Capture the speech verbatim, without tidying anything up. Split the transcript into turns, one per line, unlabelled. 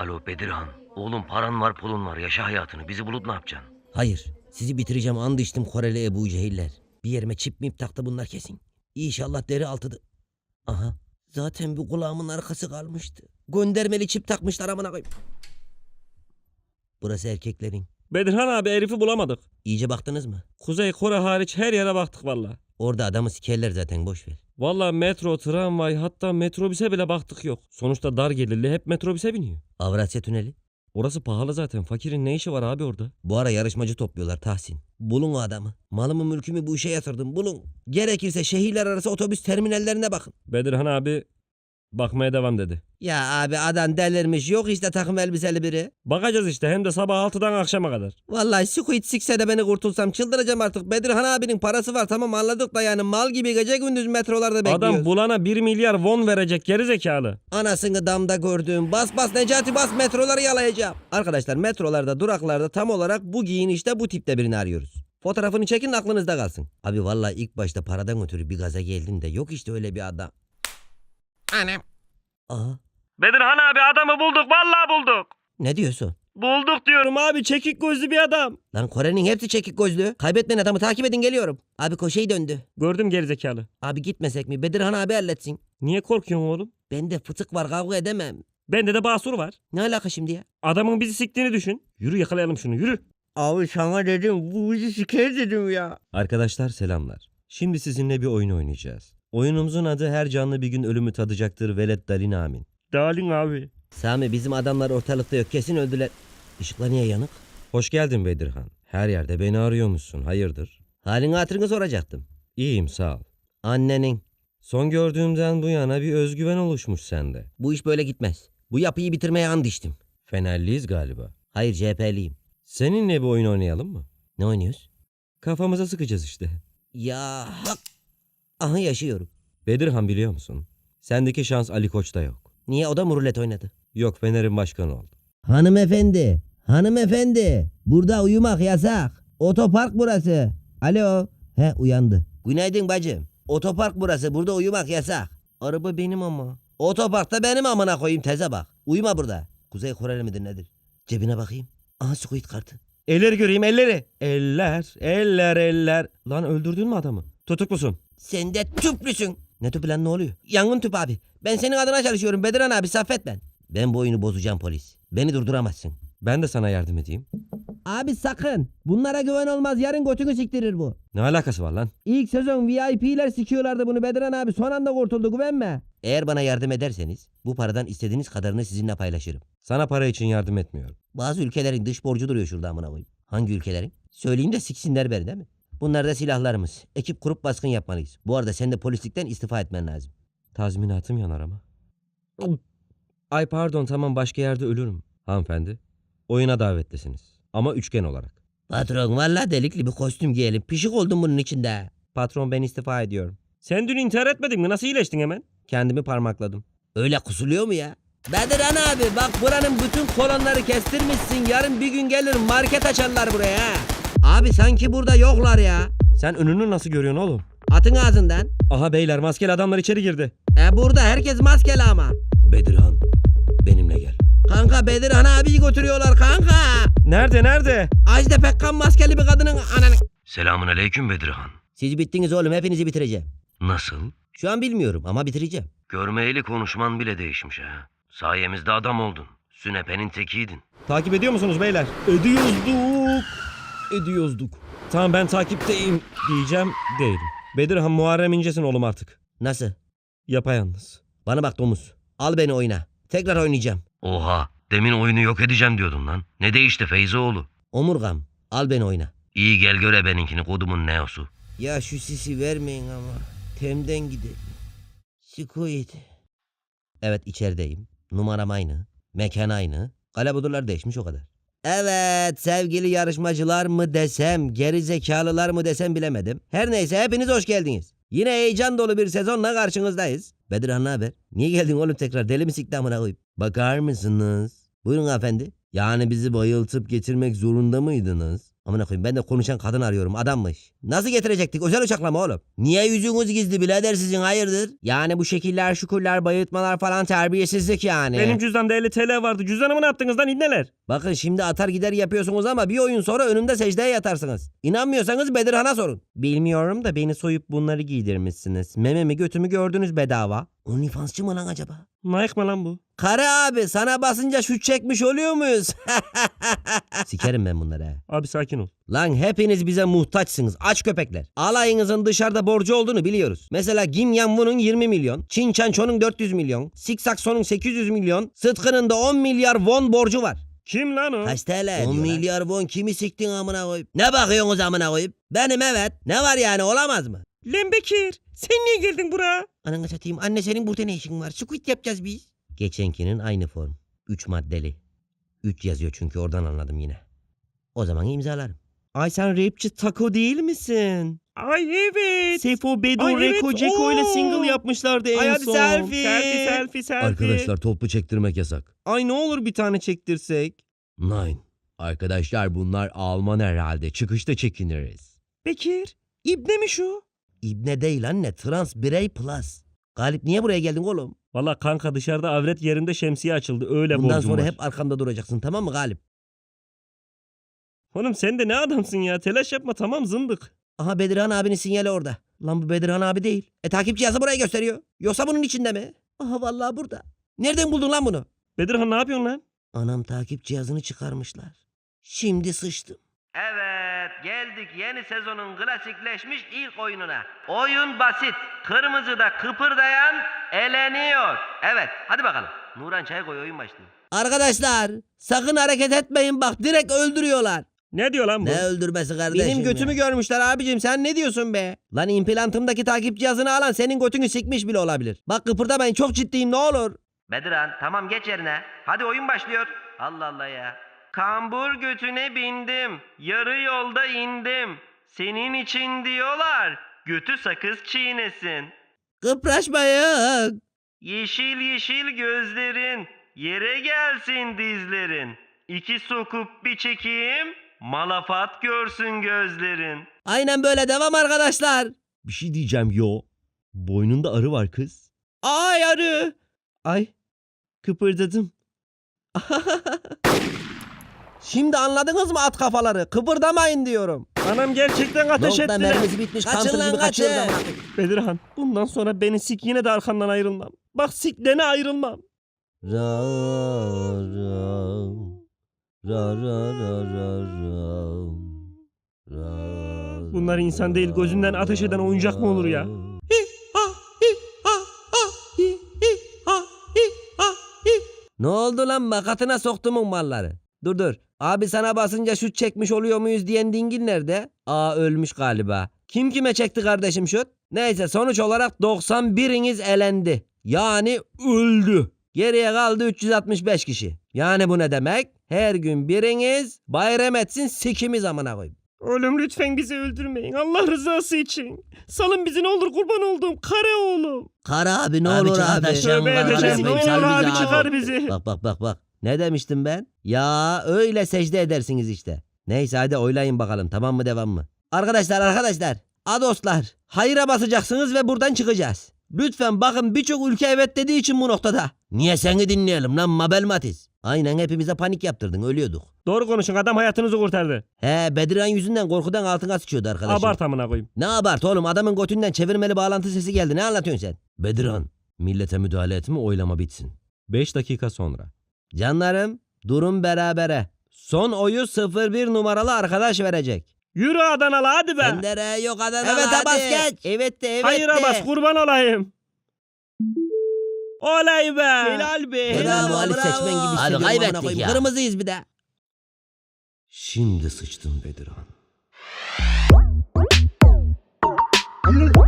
Alo Bedirhan. Oğlum paran var pulun var. Yaşa hayatını. Bizi bulup ne yapacaksın?
Hayır. Sizi bitireceğim and içtim Koreli Ebu Cehiller. Bir yerime çip mip taktı bunlar kesin. İnşallah deri altıdı. Aha. Zaten bu kulağımın arkası kalmıştı. Göndermeli çip takmışlar amına koyayım. Burası erkeklerin.
Bedirhan abi herifi bulamadık.
İyice baktınız mı?
Kuzey Kore hariç her yere baktık valla.
Orada adamı sikerler zaten boş ver.
Valla metro, tramvay hatta metrobüse bile baktık yok. Sonuçta dar gelirli hep metrobüse biniyor.
Avrasya Tüneli.
Orası pahalı zaten. Fakirin ne işi var abi orada?
Bu ara yarışmacı topluyorlar Tahsin. Bulun o adamı. Malımı mülkümü bu işe yatırdım bulun. Gerekirse şehirler arası otobüs terminallerine bakın.
Bedirhan abi bakmaya devam dedi.
Ya abi adam delirmiş yok işte takım elbiseli biri.
Bakacağız işte hem de sabah altıdan akşama kadar.
Vallahi Squid sikse de beni kurtulsam çıldıracağım artık. Bedirhan abinin parası var tamam anladık da yani mal gibi gece gündüz metrolarda bekliyoruz.
Adam bulana bir milyar won verecek gerizekalı.
Anasını damda gördüğüm bas bas Necati bas metroları yalayacağım. Arkadaşlar metrolarda duraklarda tam olarak bu giyinişte bu tipte birini arıyoruz. Fotoğrafını çekin aklınızda kalsın. Abi vallahi ilk başta paradan ötürü bir gaza geldin de yok işte öyle bir adam. Anam. Aha.
Bedirhan abi adamı bulduk vallahi bulduk.
Ne diyorsun?
Bulduk diyorum abi çekik gözlü bir adam.
Lan Kore'nin hepsi çekik gözlü. Kaybetmeyin adamı takip edin geliyorum. Abi koşeyi döndü.
Gördüm gerizekalı.
Abi gitmesek mi? Bedirhan abi halletsin.
Niye korkuyorsun oğlum?
Bende fıtık var kavga edemem.
Bende de basur var.
Ne alaka şimdi ya?
Adamın bizi siktiğini düşün. Yürü yakalayalım şunu yürü.
Abi sana dedim bu bizi siker dedim ya.
Arkadaşlar selamlar. Şimdi sizinle bir oyun oynayacağız. Oyunumuzun adı her canlı bir gün ölümü tadacaktır velet dalin amin.
Dalin abi.
Sami bizim adamlar ortalıkta yok kesin öldüler. Işıklar niye yanık?
Hoş geldin Bedirhan. Her yerde beni arıyormuşsun. Hayırdır?
Halini hatırını soracaktım.
İyiyim sağ ol.
Annenin.
Son gördüğümden bu yana bir özgüven oluşmuş sende.
Bu iş böyle gitmez. Bu yapıyı bitirmeye and içtim.
Fenerliyiz galiba.
Hayır C H P'liyim.
Seninle bir oyun oynayalım mı?
Ne oynuyoruz?
Kafamıza sıkacağız işte.
Ya hak. Aha yaşıyorum.
Bedirhan biliyor musun? Sendeki şans Ali Koç'ta yok.
Niye o da mı rulet oynadı?
Yok Fener'in başkanı oldu.
Hanımefendi. Hanımefendi. Burada uyumak yasak. Otopark burası. Alo. He uyandı. Günaydın bacım. Otopark burası. Burada uyumak yasak. Araba benim ama. Otoparkta benim amına koyayım teze bak. Uyuma burada. Kuzey Koreli midir nedir? Cebine bakayım. Aha Squid kartı.
Elleri göreyim elleri.
Eller, eller, eller. Lan öldürdün mü adamı? Tutuklusun.
Sen de tüplüsün. Ne tüpü lan ne oluyor? Yangın tüpü abi. Ben senin adına çalışıyorum Bediran abi Saffet ben. Ben bu oyunu bozacağım polis. Beni durduramazsın.
Ben de sana yardım edeyim.
Abi sakın. Bunlara güven olmaz. Yarın götünü siktirir bu.
Ne alakası var lan?
İlk sezon V I P'ler sikiyorlardı bunu Bediran abi. Son anda kurtuldu güvenme. Eğer bana yardım ederseniz bu paradan istediğiniz kadarını sizinle paylaşırım.
Sana para için yardım etmiyorum.
Bazı ülkelerin dış borcu duruyor şurada amına koyayım. Hangi ülkelerin? Söyleyeyim de siksinler beni değil mi? Bunlar da silahlarımız. Ekip kurup baskın yapmalıyız. Bu arada sen de polislikten istifa etmen lazım.
Tazminatım yanar ama. Ay pardon tamam başka yerde ölürüm. Hanımefendi, oyuna davetlisiniz. Ama üçgen olarak.
Patron valla delikli bir kostüm giyelim. Pişik oldum bunun içinde.
Patron ben istifa ediyorum.
Sen dün intihar etmedin mi? Nasıl iyileştin hemen?
Kendimi parmakladım.
Öyle kusuluyor mu ya? Bediran abi bak buranın bütün kolonları kestirmişsin. Yarın bir gün gelir market açarlar buraya ha. Abi sanki burada yoklar ya.
Sen önünü nasıl görüyorsun oğlum?
Atın ağzından.
Aha beyler maskeli adamlar içeri girdi.
E burada herkes maskeli ama.
Bedirhan, benimle gel.
Kanka Bedirhan abiyi götürüyorlar kanka.
Nerede nerede?
Ajda Pekkan maskeli bir kadının ananı.
Selamun aleyküm Bedirhan.
Siz bittiniz oğlum hepinizi bitireceğim.
Nasıl?
Şu an bilmiyorum ama bitireceğim.
Görmeyeli konuşman bile değişmiş ha. Sayemizde adam oldun. Sünepe'nin tekiydin.
Takip ediyor musunuz beyler?
Ediyozduk.
Ediyozduk. Tamam ben takipteyim diyeceğim değilim. Bedirhan Muharrem İnce'sin oğlum artık.
Nasıl?
Yapayalnız.
Bana bak domuz. Al beni oyna. Tekrar oynayacağım.
Oha, demin oyunu yok edeceğim diyordun lan. Ne değişti Feyzoğlu?
Omurgam. Al beni oyna.
İyi gel göre benimkini kodumun neosu.
Ya şu sisi vermeyin ama. Temden gidelim. Squid. Evet içerideyim. Numaram aynı. Mekan aynı. Kalabudurlar değişmiş o kadar. Evet sevgili yarışmacılar mı desem, geri zekalılar mı desem bilemedim. Her neyse hepiniz hoş geldiniz. Yine heyecan dolu bir sezonla karşınızdayız. Bedirhan ne haber? Niye geldin oğlum tekrar? Deli mi sikti amına koyup? Bakar mısınız? Buyurun hanımefendi. Yani bizi bayıltıp getirmek zorunda mıydınız? Amına koyayım ben de konuşan kadın arıyorum adammış. Nasıl getirecektik özel uçakla mı oğlum? Niye yüzünüz gizli birader sizin hayırdır? Yani bu şekiller şukurlar bayıltmalar falan terbiyesizlik yani.
Benim cüzdanımda elli T L vardı. Cüzdanımı ne yaptınız lan ibneler?
Bakın şimdi atar gider yapıyorsunuz ama bir oyun sonra önümde secdeye yatarsınız. İnanmıyorsanız Bedirhan'a sorun. Bilmiyorum da beni soyup bunları giydirmişsiniz. Mememi götümü gördünüz bedava. OnlyFansçı mı lan acaba?
Mike mı lan bu?
Karı abi sana basınca şut çekmiş oluyor muyuz? Sikerim ben bunları ha.
Abi sakin ol.
Lan hepiniz bize muhtaçsınız aç köpekler. Alayınızın dışarıda borcu olduğunu biliyoruz. Mesela Kim Yan-woo'nun yirmi milyon, Çin Çanço'nun dört yüz milyon, Siksakso'nun sekiz yüz milyon, Sıtkı'nın da on milyar won borcu var.
Kim lan o?
Kaç T L? on milyar won kimi siktin amına koyup? Ne bakıyorsunuz amına koyup? Benim evet. Ne var yani olamaz mı?
Lan Bekir. Sen niye geldin buraya?
Ananı satayım anne senin burada ne işin var? Squid yapacağız biz. Geçenkinin aynı form. üç maddeli. üç yazıyor çünkü oradan anladım yine. O zaman imzalarım.
Ay sen rapçi Taco değil misin? Ay evet. Sefo, Bedo,
Ay evet,
Reko, Ceko ile
oo.
single yapmışlardı en
Ay hadi
son.
selfie.
Selfie, selfie, selfie.
Arkadaşlar toplu çektirmek yasak.
Ay ne olur bir tane çektirsek.
Nine. Arkadaşlar bunlar Alman herhalde. Çıkışta çekiniriz.
Bekir, İbne mi şu?
İbne değil anne. Trans birey plus. Galip niye buraya geldin oğlum?
Valla kanka dışarıda avret yerinde şemsiye açıldı. Öyle
Bundan
borcum
sonra
var.
hep arkamda duracaksın tamam mı Galip?
Oğlum sen de ne adamsın ya? Telaş yapma tamam zındık.
Aha Bedirhan abinin sinyali orada. Lan bu Bedirhan abi değil. E takip cihazı buraya gösteriyor. Yoksa bunun içinde mi? Aha vallahi burada. Nereden buldun lan bunu?
Bedirhan ne yapıyorsun lan?
Anam takip cihazını çıkarmışlar. Şimdi sıçtım.
Evet, geldik yeni sezonun klasikleşmiş ilk oyununa. Oyun basit. Kırmızıda kıpırdayan eleniyor. Evet, hadi bakalım. Nuran çay koy, oyun başlıyor.
Arkadaşlar sakın hareket etmeyin bak direkt öldürüyorlar.
Ne diyor lan bu?
Ne öldürmesi kardeşim
Benim götümü
ya? görmüşler abicim sen ne diyorsun be? Lan implantımdaki takip cihazını alan senin götünü sikmiş bile olabilir. Bak kıpırdamayın çok ciddiyim ne olur.
Bedirhan, tamam geç yerine. Hadi oyun başlıyor. Allah Allah ya. Kambur götüne bindim. Yarı yolda indim. Senin için diyorlar. Götü sakız çiğnesin.
Kıpraşmayın.
Yeşil yeşil gözlerin. Yere gelsin dizlerin. İki sokup bir çekeyim. Malafat görsün gözlerin.
Aynen böyle devam arkadaşlar.
Bir şey diyeceğim yo. Boynunda arı var kız.
Ay arı. Ay kıpırdadım. Şimdi anladınız mı at kafaları? Kıpırdamayın diyorum.
Anam gerçekten ateş
Nokta
ettiler.
mermisi bitmiş.
Kaçın
Kaçın
lan,
gibi kaçıyoruz
kaçın.
ama.
Bedirhan bundan sonra beni sik yine de arkandan ayrılmam. Bak siklene ayrılmam.
Ra ra ra ra ra ra ra ra.
Bunlar insan değil, gözünden ateş eden oyuncak mı olur ya?
Ne oldu lan makatına soktumun malları? Dur dur. Abi sana basınca şut çekmiş oluyor muyuz diyen dingil nerede? Aa ölmüş galiba. Kim kime çekti kardeşim şut? Neyse sonuç olarak doksan biriniz elendi. Yani öldü. Geriye kaldı üç yüz altmış beş kişi. Yani bu ne demek? Her gün biriniz bayram etsin sikimiz amına koyayım.
Oğlum lütfen bizi öldürmeyin. Allah rızası için. Salın bizi ne olur kurban olduğum kare oğlum.
Kara abi ne
Abi
olur
çıkar
abi.
taşıyalım
Tövbe
var,
edeceğim. Ne
resmen,
olur
sal bizi
abi
abi.
çıkar bizi.
Bak bak bak bak. Ne demiştim ben? Ya öyle secde edersiniz işte. Neyse hadi oylayın bakalım tamam mı devam mı? Arkadaşlar arkadaşlar. Adoslar. Hayıra basacaksınız ve buradan çıkacağız. Lütfen bakın birçok ülke evet dediği için bu noktada. Niye seni dinleyelim lan Mabel Matiz? Aynen hepimize panik yaptırdın ölüyorduk.
Doğru konuşun, adam hayatınızı kurtardı.
He Bedirhan yüzünden korkudan altına sıçıyordu arkadaşım.
Abart amına koyayım.
Ne abart oğlum adamın götünden çevirmeli bağlantı sesi geldi ne anlatıyorsun sen?
Bedirhan, millete müdahale etme oylama bitsin. beş dakika sonra.
Canlarım durum berabere. Son oyu sıfır bir numaralı arkadaş verecek.
Yürü Adanalı hadi be.
Bendere yok Adanalı Evet
hadi.
bas geç. Evet de evet
Hayıra
de.
bas kurban olayım. Olay be. Helal be.
Bravo Ali seçmen gibi
Hadi
hissediyorum
kaybettik
amına koyayım.
ya.
Kırmızıyız bir de.
Şimdi sıçtın Bedirhan.